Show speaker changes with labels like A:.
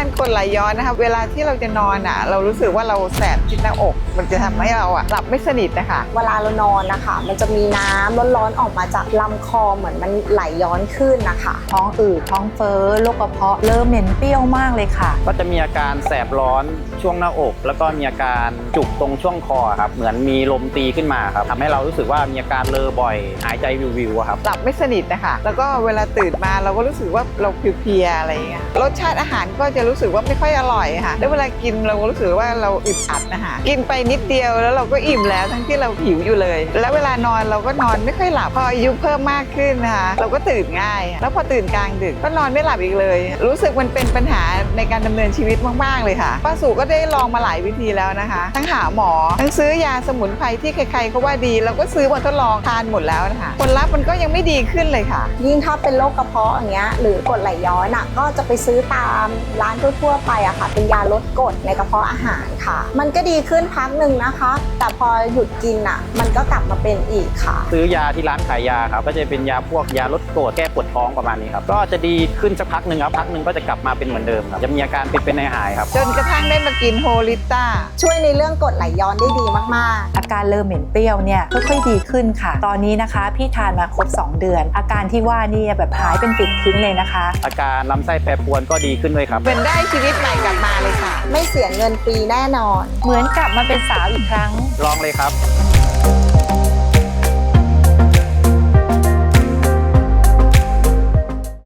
A: การกรดไหลย้อนนะคะเวลาที่เราจะนอนเรารู้สึกว่าเราแสบที่หน้าอกมันจะทำให้เราหลับไม่สนิทนะคะ
B: เวลาเรานอนนะคะมันจะมีน้ำร้อนๆออกมาจากลำคอเหมือนมันไหลย้อนขึ้นนะคะ
C: ท้องอืดท้องเฟ้อโรคกระเพาะเริ่มเหม็นเปรี้ยวมากเลยค่ะ
D: ก็จะมีอาการแสบร้อนช่วงหน้าอก แล้วก็มีอาการจุกตรงช่วงคอครับเหมือนมีลมตีขึ้นมาครับทำให้เรารู้สึกว่ามีอาการเลอบ่อยหายใจวิวๆครับ
A: หลับไม่สนิทนะคะแล้วก็เวลาตื่นมาเราก็รู้สึกว่าเราเพลียๆอะไรอย่างเงี้ยรสชาติอาหารก็จะรู้สึกว่าไม่ค่อยอร่อยค่ะแล้วเวลากินเราก็รู้สึกว่าเราอึดอัดนะคะกินไปนิดเดียวแล้วเราก็อิ่มแล้วทั้งที่เราหิวอยู่เลยแล้วเวลานอนเราก็นอนไม่ค่อยหลับพออายุเพิ่มมากขึ้นนะคะเราก็ตื่นง่ายแล้วพอตื่นกลางดึกก็นอนไม่หลับอีกเลยรู้สึกมันเป็นปัญหาในการดำเนินชีวิตมากๆเลยค่ะป้าสุก็ได้ลองมาหลายวิธีแล้วนะคะทั้งหาหมอทั้งซื้อยาสมุนไพรที่ใครๆเขาว่าดีเราก็ซื้อมาทดลองทานหมดแล้วนะคะผลลัพธ์มันก็ยังไม่ดีขึ้นเลยค่ะ
B: ยิ่งถ้าเป็นโรคกระเพาะอย่างเงี้ยหรือกรดไหลย้อนก็จะไปซื้อตามร้านทั่วๆไปค่ะเป็นยาลดกรดในกระเพาะอาหารค่ะมันก็ดีขึ้นพักหนึ่งนะคะแต่พอหยุดกินมันก็กลับมาเป็นอีกค่ะ
D: ซื้อยาที่ร้านขายยาครับก็จะเป็นยาพวกยาลดกรดแก้ปวดท้องประมาณนี้ครับก็จะดีขึ้นสักพักหนึ่งครับพักหนึ่งก็จะกลับมาเป็นเหมือนเดิมครับจะมีอาการเป็นหายครับ
A: จนกระทั่งได้มากินโฮลิต้า
B: ช่วยในเรื่องกรดไหลย้อนได้ดีมากๆ
C: อาการเริ่มเหม็นเปรี้ยวเนี่ยค่อยๆดีขึ้นค่ะตอนนี้นะคะพี่ทานมาครบ2 เดือนอาการที่ว่านี่แบบหายเป็นปลิดทิ้งเลยนะคะ
D: อาการลำไส้แปรปรวนก็ดีขึ้นด้วยครับ
A: เป็นได้ชีวิตใหม่กลับมาเลยค่ะ
B: ไม่เสียเงินฟรีแน่นอน
C: เหมือนกลับมาเป็นสาวอีกครั้ง
D: ลองเลยครับ